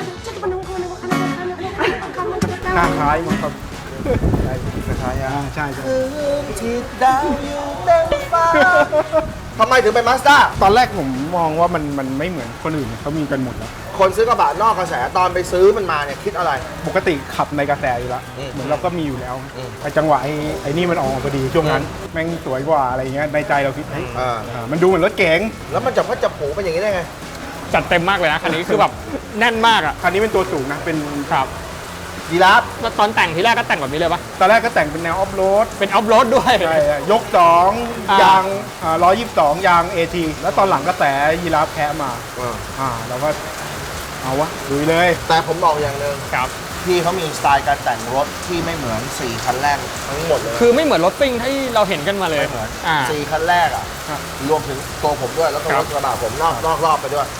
Speaker 9: หน้าคล้ายมั้งครับ
Speaker 5: คล้ายๆอ่ะ
Speaker 9: ใช่ใช่
Speaker 5: ที่ดาวอยู่เต็มฟ้าทำไมถึงเป็น Mazda
Speaker 11: ตอนแรกผมมองว่ามันมันไม่เหมือนคนอื่นเขามีกันหมดแล้ว
Speaker 5: คนซื้อกระบะนอกกระแสตอนไปซื้อมันมาเนี่ยคิดอะไร
Speaker 11: ปกติขับในกระแสอยู่แล้ว
Speaker 5: อืม
Speaker 11: เหมือนเราก็มีอยู่แล้ว
Speaker 5: อืม
Speaker 11: ไอ้จังหวะไอ้ไอ้นี่มันออกมาพอดีช่วงนั้น แม่งสวยกว่าอะไรเงี้ยในใจเราคิดเฮ้ย
Speaker 5: อ่า
Speaker 11: อ่ามันดูเหมือนรถเก๋ง
Speaker 5: แล้วมันจะพัดจะผูเป็นอย่างนี้ได้ไง
Speaker 9: จัดเต็มมากเลยนะคันนี้คือแบบแน่นมากอ่ะ
Speaker 11: คันนี้เป็นตัวสูงนะเป็น
Speaker 9: ครับ
Speaker 5: ยีราฟ
Speaker 9: แล้วตอนแต่งทีแรกก็แต่งแบบนี้เลยปะ
Speaker 11: ตอนแรกก็แต่งเป็นแนวออฟโรด
Speaker 9: เป็นออฟโรดด้วย
Speaker 11: ใช่ยกสอง
Speaker 9: อ่าย
Speaker 11: ยางร้อยยี่สิบสองยางเอทีแล้วตอนหลังกระแสยีราฟแคะมาอ่าเราก็เอาวะลุยเลย
Speaker 5: แต่ผมบอกอย่างหนึ่ง
Speaker 9: ครับ
Speaker 5: พี่เขามีสไตล์การแต่งรถที่ไม่เหมือนสี่คันแรกทั้งหมดเลย
Speaker 9: คือไม่เหมือนรถซิ่งที่เราเห็นกันมาเลย
Speaker 5: ไม่เหมือน
Speaker 9: อ่า
Speaker 5: สี่คันแรกอ่ะ รวมถึงตัวผมด้วยแล้วก็
Speaker 9: ครั
Speaker 5: ร
Speaker 9: บ
Speaker 5: ถกระบะผมนอกนอกรอบไปด้วย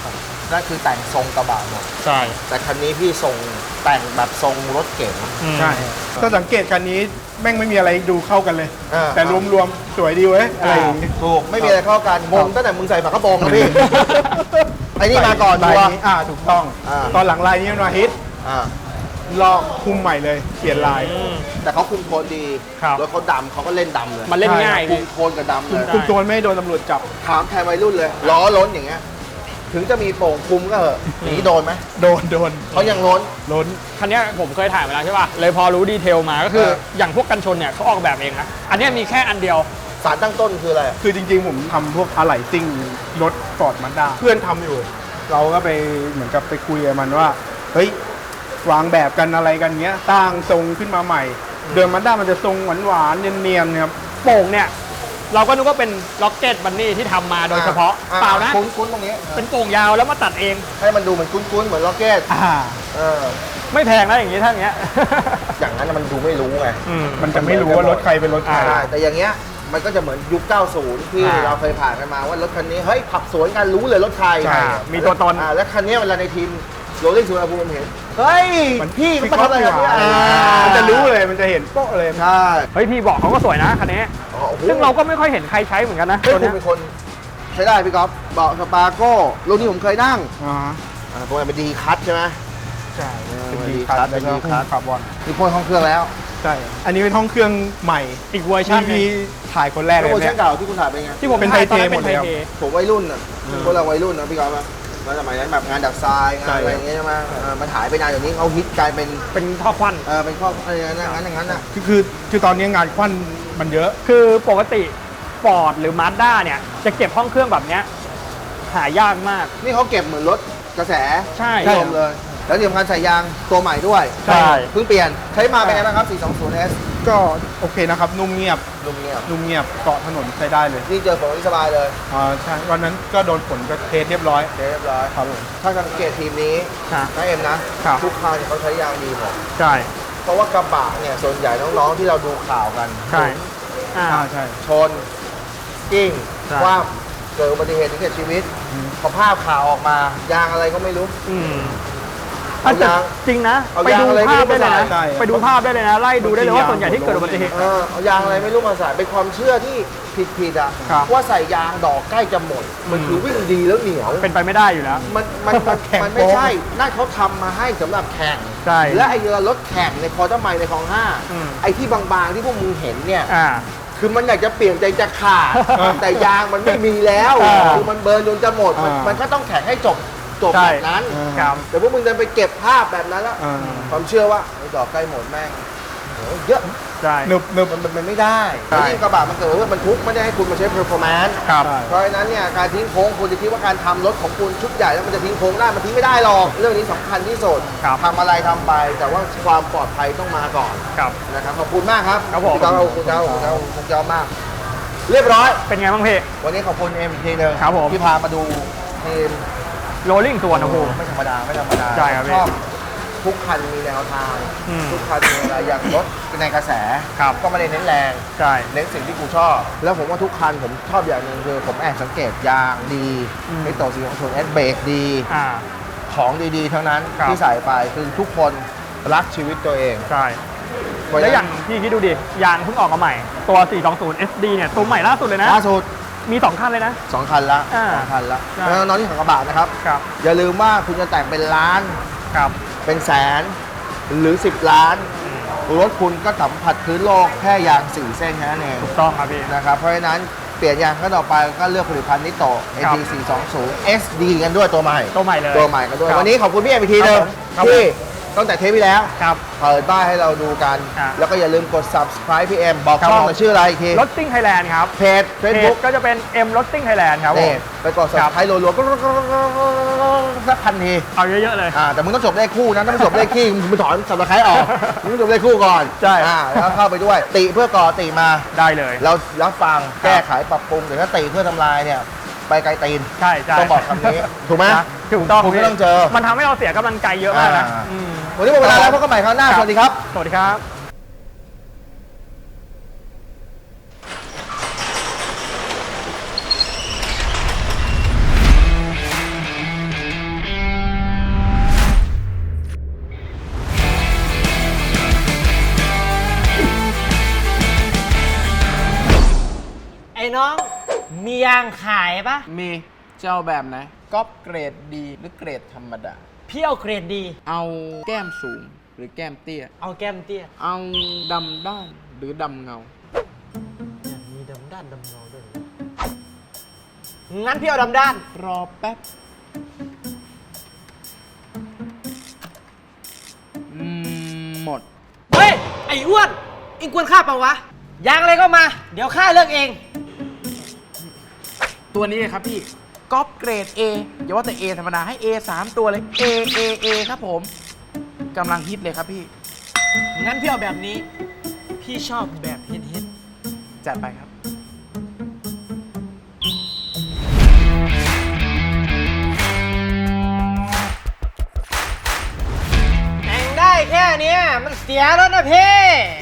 Speaker 5: นั่นคือแต่งทรงกระบะหมด
Speaker 11: ใช่
Speaker 5: แต่คันนี้พี่ทรงแต่งแบบทรงรถเก๋ง
Speaker 11: ใช่ถ้าสังเกตคันนี้แม่งไม่มีอะไรดูเข้ากันเลย
Speaker 5: อ่า
Speaker 11: แต่รวมๆ สวยดีเว้ยอะไรอย่างงี้
Speaker 5: ถูกไม่มีอะไรเข้ากันงงตั้งแต่มึงใส่ฝากระโปรงนะพี่ ไอ้นี่มาก่อน
Speaker 11: ลาย
Speaker 5: ตัว
Speaker 11: นี้อ่าถูกต้อง
Speaker 5: อ่า
Speaker 11: ตอนหลังลายนี้มันมาฮิต
Speaker 5: อ่า
Speaker 11: ลอกคุมใหม่เลยเปลี่ยนลาย
Speaker 5: แต่เขาคุมโทนดี
Speaker 9: ครับ
Speaker 5: รถเขาดำเขาก็เล่นดำเลย
Speaker 9: มันเล่นง่าย
Speaker 5: คุ
Speaker 9: พี่
Speaker 5: มโทนกับดำเล
Speaker 11: คุม
Speaker 5: ย
Speaker 11: คุมโจรไม่ให้โดนตำรวจจับ
Speaker 5: ถามแทนวัยรุ่นเลยล้อล้นอย่างเงี้ยถึงจะมีโป่งคุมก็เหอะหนีโดนไหม
Speaker 11: โดนโดน
Speaker 5: เขายังล้น
Speaker 11: ล้น
Speaker 9: คันเนี้ยผมเคยถ่ายมาแล้วใช่ป่ะ เลยพอรู้ดีเทลมาก็คือ
Speaker 5: เออ
Speaker 9: อย่างพวกกันชนเนี่ยเขาออกแบบเองนะ อันเนี้ยมีแค่อันเดียว
Speaker 5: สารตั้งต้นคืออะไร
Speaker 11: คือจริงๆ ผมทำพวกอะไหล่ซิ่งรถฟอร์ดมันด้าเพื่อนทำอยู่ เราก็ไปเหมือนกับไปคุยกับมันว่า เฮ้ยวางแบบกันอะไรกันเงี้ยสร้างทรงขึ้นมาใหม่ เดิมมันด้ามันจะทรงหวานๆเนียนๆครับ
Speaker 9: โป่งเนี่ย เราก็นึกว่าเป็นล็อกเก็ตบันนี่ที่ทำมาโดยเฉพาะ
Speaker 5: อ่
Speaker 9: เปล่านะ
Speaker 5: คุ้นๆตรงนี้
Speaker 9: เป็นโป่งยาวแล้วมาตัดเอง
Speaker 5: ให้มันดูเหมือนคุ้นๆเหมือนล็อกเก็ต
Speaker 11: อ่า
Speaker 5: เออ
Speaker 9: ไม่แพงนะอย่างงี้ถ้าอย่างเงี้ย
Speaker 5: อย่างนั้นน่ะมันดูไม่รู้ไง
Speaker 11: มันจะไม่รู้ว่ารถใครเป็นรถใคร
Speaker 5: ใช่แต่อย่างเงี้ยมันก็จะเหมือนยุค เก้าสิบ ที่
Speaker 9: อ่า
Speaker 5: เราเคยผ่านกันมาว่ารถคันนี้ เฮ้ยขับสวนกันรู้เลยรถใคร
Speaker 11: ใช่
Speaker 9: มีตัวตน
Speaker 5: อ่าแล้วคันนี้เวลาในทีมโรลลิ่งสุวรรณภูมิเห็น เฮ้ย
Speaker 11: มัน
Speaker 5: พี่มันทำอะไรกันเนี่ย
Speaker 11: อ่า
Speaker 5: อ่า
Speaker 11: มันจะรู้เลยมันจะเห็นโป๊ะเลย
Speaker 5: ใช่
Speaker 9: เฮ้ยพี่บอกเขาก็สวยนะคันนี้
Speaker 5: อ๋อโอ้โห
Speaker 9: ซึ่งเราก็ไม่ค่อยเห็นใครใช้เหมือนกันนะ
Speaker 5: เฮ้ย
Speaker 9: ตัว
Speaker 5: คุ
Speaker 9: เนี้
Speaker 5: ณ
Speaker 9: ย
Speaker 5: เป็นคนใช้ได้พี่ก๊อฟเบาะสปาโก้รุ่นนี้ผมเคยนั่ง
Speaker 11: อ่า
Speaker 5: อ่าตัวนี้เป็นดีคัทใช่ไหม
Speaker 11: ใช่
Speaker 5: เออ
Speaker 11: เป็น
Speaker 5: ดี
Speaker 11: ดี
Speaker 5: คั
Speaker 11: คั
Speaker 5: ท
Speaker 11: ท
Speaker 5: เป็
Speaker 11: แล้ว
Speaker 5: น
Speaker 11: ก็
Speaker 5: ดีคัท
Speaker 11: คาร์บอน
Speaker 5: มีพ่นห้องเครื่องแล้ว
Speaker 11: ใช่ อันนี้เป็นห้องเครื่องใหม่
Speaker 9: อีกเวอร์ชัน
Speaker 11: ที่
Speaker 9: หนึ่ง
Speaker 11: พี่ถ่ายคนแรก
Speaker 5: แล้
Speaker 11: เล
Speaker 5: วย เวอร์ชั
Speaker 11: เนี่
Speaker 5: น
Speaker 11: ย
Speaker 5: เก่าที่คุณถ่ายเป็นไง
Speaker 9: ที่ผม
Speaker 11: เป็น
Speaker 9: ถ่าย
Speaker 11: ไทย
Speaker 9: ตอนนั้น
Speaker 11: เทหม
Speaker 9: เป็
Speaker 11: ด
Speaker 9: นไท
Speaker 11: เลย
Speaker 9: ย
Speaker 11: ครับ
Speaker 9: เท
Speaker 5: ผมวัยรุ่นอ่ะพวกเราวัยรุ่นนะพี่ก๊อฟอะแล้วสมัยนั้นแบบงานดักทรายงานอะไรอย่างเงี้ยใช่ไหมเออมันหายไปนานอย่างนี้เขาฮิตกลายเป็น
Speaker 9: เป็นท่อควัน
Speaker 5: เออเป็นข้ออะไรอย่างนั้นอย่างนั้นอย่างนั้นอ่ะ
Speaker 11: คือคือคือตอนนี้งานควันมันเยอะ
Speaker 9: คือปกติฟอร์ดหรือมาสด้าเนี่ยจะเก็บห้องเครื่องแบบเนี้ยหายากมาก
Speaker 5: นี่เขาเก็บเหมือนรถกระแส
Speaker 9: ใช่
Speaker 5: นิยมเลย แล้วที่สำคัญใส่ยางตัวใหม่ด้วย
Speaker 9: ใช่
Speaker 5: เพิ่งเปลี่ยนใช้มาเป็นไงบ้างครับ สี่สองศูนย์ เอส
Speaker 11: ก็โอเคนะครับ นุ่มเงียบ
Speaker 5: ลุงเงียบ
Speaker 11: นุ่มเงียบเกาะถนนใช้ได้เลย
Speaker 5: นี่เจอฝนนี่สบายเลย
Speaker 11: อ่าใช่วันนั้นก็โดนฝนก็เทสเรียบร้อย
Speaker 5: เรียบร้อย
Speaker 11: ครับผม
Speaker 5: ถ้าสังเกตทีมนี้
Speaker 9: ค่ะ
Speaker 5: นะเอ็มนะครับ ทุกคันเขาใช้ยางดีหมด
Speaker 9: ใช่
Speaker 5: เพราะว่ากระบะเนี่ยส่วนใหญ่น้องๆที่เราดูข่าวกัน
Speaker 9: ใช่อ่า
Speaker 11: อ่าใช่
Speaker 5: ชนกิ้ง
Speaker 9: ใช่
Speaker 5: คว่ำเกิดอุบัติเหตุถึงแก่ชีวิตพอภาพข่าวออกมายางอะไรก็ไม่รู้
Speaker 9: อืม
Speaker 5: เอายาง
Speaker 9: จริงนะ
Speaker 5: เอา
Speaker 9: ไป
Speaker 5: ยาง
Speaker 9: ดู
Speaker 5: อะไร
Speaker 9: ภาพ
Speaker 5: ไม่
Speaker 9: ได้
Speaker 5: รู้
Speaker 9: เลย
Speaker 5: มาใส่
Speaker 9: นะไปดูภาพได้เลยนะ ไล่ดูได้เลยว่าส่วนใหญ่ที่เกิดอุบัติเหตุ
Speaker 5: เออเอายางอะไรไม่รู้มาใส่เป็นความเชื่อที่ผิดๆอ่ะ
Speaker 9: ครับ
Speaker 5: ว่าใส่ยางดอกใกล้จะหมด มันคือวิ่งดีแล้วเหนียว
Speaker 9: เป็นไปไม่ได้อยู่แล้ว
Speaker 5: มันมันมัน
Speaker 11: แข่ง
Speaker 5: มันไม่
Speaker 11: โป๊ะ
Speaker 5: ใช่นั่นเขาทำมาให้สำหรับแข่ง
Speaker 9: ใช่
Speaker 5: และไอ้รถแข่งในคอร์เตอร์ไมล์ในคลองห้า
Speaker 9: อืม
Speaker 5: ไอ้ที่บางๆที่พวกมึงเห็นเนี่ย
Speaker 9: อ่า
Speaker 5: คือมันอยากจะเปลี่ยนใจจะขาด แต่ยางมันไม่มีแล้ว
Speaker 9: อ่า
Speaker 5: คือมันเบิร์นจนจะหมด มัน
Speaker 11: อ่ามั
Speaker 5: มันก็ต้องแข่งให้จบจบ
Speaker 9: ใช่
Speaker 5: แบบนั้น
Speaker 9: ครับ
Speaker 5: แต่พวกมึงจะไปเก็บภาพแบบนั้นแล้ว
Speaker 11: อ่า
Speaker 5: ความเชื่อว่าไอ้ดอกใกล้หมดแม่งโหเยอะ
Speaker 9: ใช่
Speaker 11: นึบนึบ
Speaker 5: มันมันมันไม่ได้
Speaker 9: ใช่
Speaker 5: แล้วยิ่งกระบะมันเกิดว่ามันทุกข์ไม่ได้ให้คุณมาใช้ performance
Speaker 9: ครับ
Speaker 5: เพราะฉะนั้นเนี่ยการทิ้งโค้งคุณจะคิดว่าการทำรถของคุณชุดใหญ่แล้วมันจะทิ้งโค้งได้มันทิ้งไม่ได้หรอกเรื่องนี้สำคัญที่สุด
Speaker 9: ครับ
Speaker 5: ทำอะไรทำไป แต่ว่าความปลอดภัยต้องมาก่อน
Speaker 9: ครับ
Speaker 5: นะครับขอบคุณมากครับ
Speaker 9: ครับผม
Speaker 5: พี่ก้าวขอบคุณเจ้าขอบคุณเจ้าขอบคุณเจ้ามาก เรียบร้อย
Speaker 9: เป็นไงบ้างพี่
Speaker 5: วันนี้ขอบคุณเอ็มอีกทีหนึง
Speaker 9: ครับผม
Speaker 5: ที่พามาดูทีม
Speaker 9: โรลลิ่งส่วนโอ้โห
Speaker 5: ไม่ธรรมดาไม่ธรรมดา
Speaker 9: ใช่ครับพี่
Speaker 5: ชอบทุกคันมีแนวทาง
Speaker 9: อืม
Speaker 5: ทุกคันมีอะไรอย่างรถในกระแส
Speaker 9: ครับ
Speaker 5: ก็ไม่ได้เน้นแรง
Speaker 9: ใช่
Speaker 5: เน้นสิ่งที่กูชอบ แล้วผมว่าทุกคันผมชอบอย่างหนึ่งคือผมแอบสังเกตยางดี
Speaker 9: อืม
Speaker 5: ไอโตสีของส่วนเอสเบรกดี
Speaker 9: อ่า
Speaker 5: ของดีๆ ทั้งนั้น
Speaker 9: ครับ
Speaker 5: ที่ใส่ไปคือทุกคนรักชีวิตตัวเอง
Speaker 9: ใช่
Speaker 5: เพระฉะ
Speaker 9: แล้ว
Speaker 5: นั้น
Speaker 9: อย่างพี่คิดดูดิ ยางเพิ่งออกมาใหม่ ตัว สี่สองศูนย์ เอส ดี เนี่ย ตัวใหม่ล่าสุดเลยนะ
Speaker 5: ล่าสุด
Speaker 9: มีสองคันเลยนะ
Speaker 5: สองคันละ
Speaker 9: อ่า
Speaker 5: สองคันละ
Speaker 9: ใช่
Speaker 5: แล้วน้องที่ขับกระบะนะครับ
Speaker 9: ครับ
Speaker 5: อย่าลืมว่าคุณจะแต่งเป็นล้าน
Speaker 9: ครับ
Speaker 5: เป็นแสนหรือ สิบ ล้าน รถคุณก็สัมผัสพื้นโลกแค่ยางสี่เส้นแค่นั้นเอง
Speaker 9: ถูกต้องครับพี่
Speaker 5: นะครับเพราะฉะนั้นเปลี่ยนยางก็ต่อไปก็เลือกผลิตภัณฑ์นิโต เอ
Speaker 9: ครับ
Speaker 5: ที สี่สองศูนย์ เอส ดี กันด้วยตัวใหม่
Speaker 9: ตัวใหม่เลย
Speaker 5: ตัวใหม่กันด้วย
Speaker 9: ครับ
Speaker 5: วันนี้ขอบคุณพี่เอ็มอีกทีหนึง
Speaker 9: ครับผม
Speaker 5: ที่ตั้งแต่เทปที่แล้ว
Speaker 9: ครับ
Speaker 5: เปิดบ้านให้เราดูกัน
Speaker 9: อ่ะ
Speaker 5: แล้วก็อย่าลืมกด subscribe พี่เอ็มบอก
Speaker 9: ครับ
Speaker 5: ช่อง
Speaker 9: ผม
Speaker 5: หน่อยชื่ออะไรอีกที
Speaker 9: รถติ้งไทยแลนด์ครับ
Speaker 5: เพจ Facebook
Speaker 9: ก็จะเป็น M รถติ้งไทยแลนด์ครับผ
Speaker 5: นี่
Speaker 9: ม
Speaker 5: ไปกด subscribe รัวๆก็สักพันที
Speaker 9: เอาเยอะๆเลย
Speaker 5: อ่าแต่มึงต้องจบเลขคู่นะถ้าไม่จบเลขขี้มึงไปถอนสับตะไคร้ออกมึงต้องจบเลขคู่ก่อน
Speaker 9: ใช่
Speaker 5: อ่าแล้วเข้าไปด้วย ติเพื่อก่อติมา
Speaker 9: ได้เลย
Speaker 5: เรารับฟังแก้ไขปรับปรุงแต่ถ้าติเพื่อทำลายเนี่ยไปไกลตีน
Speaker 9: ใช่ใช่
Speaker 5: ต้องบอกคำนี้ถูกไหม
Speaker 9: นะถูกต้อง
Speaker 5: คุณก็ต้องเจอ
Speaker 9: มันทำให้เราเสียกำลังใจเยอะมากนะ
Speaker 5: อ่า
Speaker 9: อืม
Speaker 5: วันนี้หมดเวลาแล้วพบกันใหม่คราวหน้าสวัสดีครับ
Speaker 9: สวัสดีครับ
Speaker 1: ยางขายปะ
Speaker 2: มีเจ้าแบบไหนก๊อปเกรดดีหรือเกรดธรรมดา
Speaker 1: พี่เอาเกรดดี
Speaker 2: เอาแก้มสูงหรือแก้มเตี้ย
Speaker 1: เอาแก้มเตี้ย
Speaker 2: เอาดำด้านหรือดำเงา
Speaker 1: มีดำด้านดำเงาด้วยงั้นพี่เอาดำด้าน
Speaker 2: รอแป๊บอืมหมด
Speaker 1: เฮ้ย ไอ้อ้วนอิงกวนข้าเปล่าวะ ยางอะไรก็มา เดี๋ยวข้าเลือกเอง
Speaker 2: ตัวนี้เลยครับพี่ก๊อปเกรด A อย่าว่าแต่ A ธรรมดาให้ A สามตัวเลย A A A ครับผมกำลังฮิตเลยครับพี่
Speaker 1: งั้นพี่เอาแบบนี้ พี่ชอบแบบเฮ็ดเฮ็ด
Speaker 2: จัดไปครับ
Speaker 1: แต่งได้แค่เนี้ยมันเสียแล้วนะพี่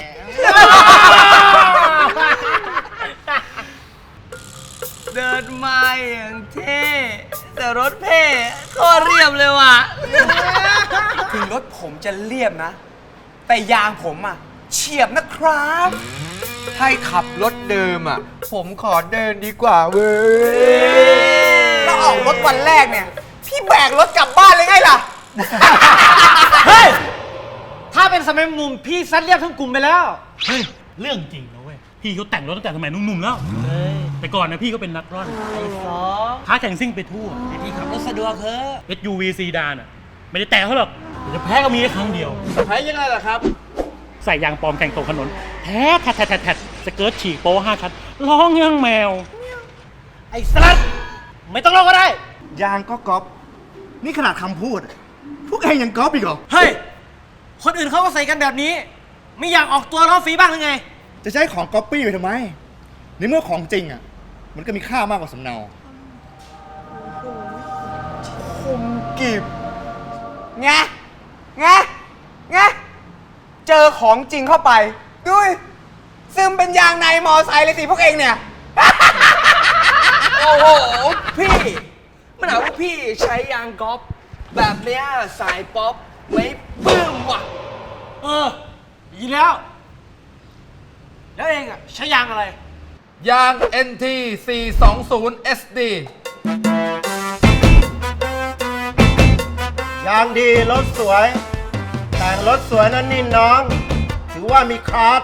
Speaker 3: เดินมาอย่างเท่แต่รถเพ่โคตรเรียบเลยว่ะ ถึงรถผมจะเรียบนะ แต่ยางผมอ่ะเฉียบนะครับถ้าขับรถเดิมอ่ะ ผมขอเดินดีกว่าเว้ยแล้วออกรถวันแรกเนี่ย พี่แบกรถกลับบ้านเลยไงล่ะ
Speaker 1: เฮ้ย ถ้าเป็นสมัยหนุ่มพี่ซัดเรียบทั้งกลุ่มไปแล้ว
Speaker 4: เฮ้ย เรื่องจริงนะเว้ย พี่เขาแต่งรถตั้งแต่สมัยหนุ่มๆแล้ว แต่ก่อนนะพี่ก็เป็นนักร่อน
Speaker 1: ไอ้สอง
Speaker 4: ท้าแข่งซิ่งไปทั่ว
Speaker 1: ไอ้พี่ขับรถสะดวกเถอะ
Speaker 4: เอส ยู วี ซีดานอ่ะ ไม่ได้แต่เขาหรอกแต่จะแพ้ก็มีแค่ครั้งเดียว
Speaker 2: แพ้ยังไงล่ะครับ
Speaker 4: ใส่ยางปลอมแข่งตกถนนแท้แทดแทดแทดสเกิร์ตฉีกโป้ห้าชั้นร้องยังแมว
Speaker 1: ไอ้สลัดไม่ต้องรอก็ได้
Speaker 5: ยางก็ก๊อปนี่ขนาดคำพูด พวกเองยังก๊อปอีกเหรอ
Speaker 1: เฮ้ย คนอื่นเขาก็ใส่กันแบบนี้ ไม่อยากออกตัวล้อฟรีบ้างหรือไง
Speaker 5: จะใช้ของก๊อปปี้ไปทำไม ในเมื่อของจริงอ่ะ มันก็มีค่ามากกว่าสำเนาคมกิบ
Speaker 3: ไง ไง ไง เจอของจริงเข้าไปดุยซึมเป็นยางในมอไซค์เลยสิพวกเองเนี่ย โอ้โห พี่มันหาว่าพี่ใช้ยางก๊อปแบบเนี้ยสายป๊อปไม่ปลื้มว่ะ
Speaker 1: เออดีแล้ว แล้วเองอะใช้ยางอะไร
Speaker 2: ยาง เอ็น ที สี่สองศูนย์ เอส ดี
Speaker 11: ยางดีรถสวย แต่งรถสวยนั้นนี่น้อง ถือว่ามีคลาส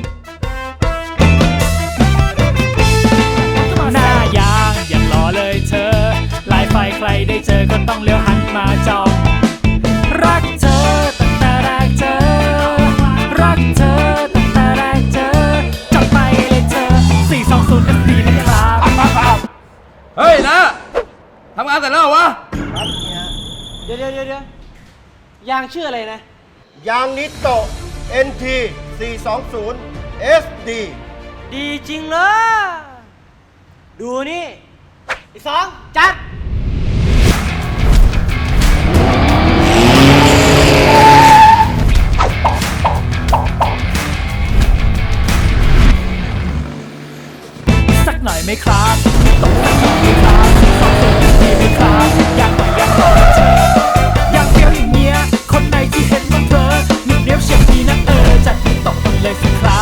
Speaker 6: หน้ายางอย่างล้อเลยเธอ ลายไฟใครได้เจอก็ต้องเลี้ยวหันมาจอง รักเธอตั้งแต่แรกเจอ รักเธอตั้งแต่แรกเจอจับไปเลยเธอ สี่สองศูนย์ เอส ดี นะครับ
Speaker 2: เฮ้ยนะทำงานเสร็จแล้วเหรอวะ
Speaker 1: เดี๋ยวเดี๋ยวเดี๋ยวเดี๋ยว ยางชื่ออะไรนะ
Speaker 11: ยางนิโต เอ็น ที สี่สองศูนย์ เอส ดี
Speaker 1: ดีจริงเลย ดูนี่ไอ้สองจัด
Speaker 6: สักหน่อยไหมครับตกสักหน่อยไหมครับสองตัวดีไหมครับอยากหน่อยอยากหน่อยเธออยากเฟี้ยวอย่างเงี้ยคนไหนที่เห็นมันเพลอหนึ่งเดียวเฉียบดีนะเออจัดให้ตกมันเลยสิครับ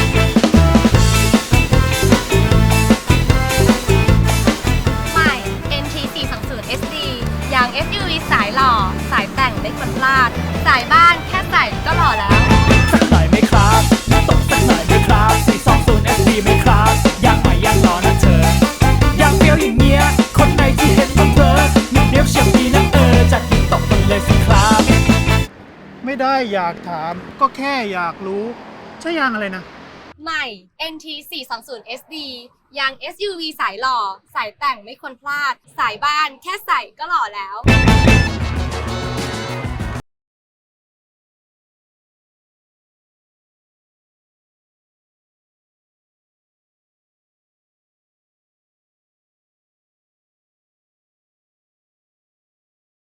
Speaker 7: ใหม่ เอ็น ที สี่สองศูนย์ เอส ดี ยาง เอส ยู วี สายหล่อ สายแต่งไม่ควรพลาด สายบ้านแค่ใส่ก็หล่อแล้ว
Speaker 6: สักหน่อยไหมครับตกสักหน่อยไหมครับสี่สองศูนย์ เอส ดี ไหมครับอยากหน่อยอยากหน่อยนะเธออยากเฟี้ยวอย่างเงี้ยคนไหนที่เห็นมันเพลอหนึ่งเดียวเฉียบดีนะเออจัดให้ตกมันเลยสิครับ
Speaker 11: ไม่ได้อยากถามก็แค่อยากรู้ ใช่ยางอะไรนะ
Speaker 7: ใหม่ เอ็น ที สี่สองศูนย์ เอส ดี ยาง เอส ยู วี สายหล่อ สายแต่งไม่ควรพลาด สายบ้านแค่ใส่ก็หล่อแล้ว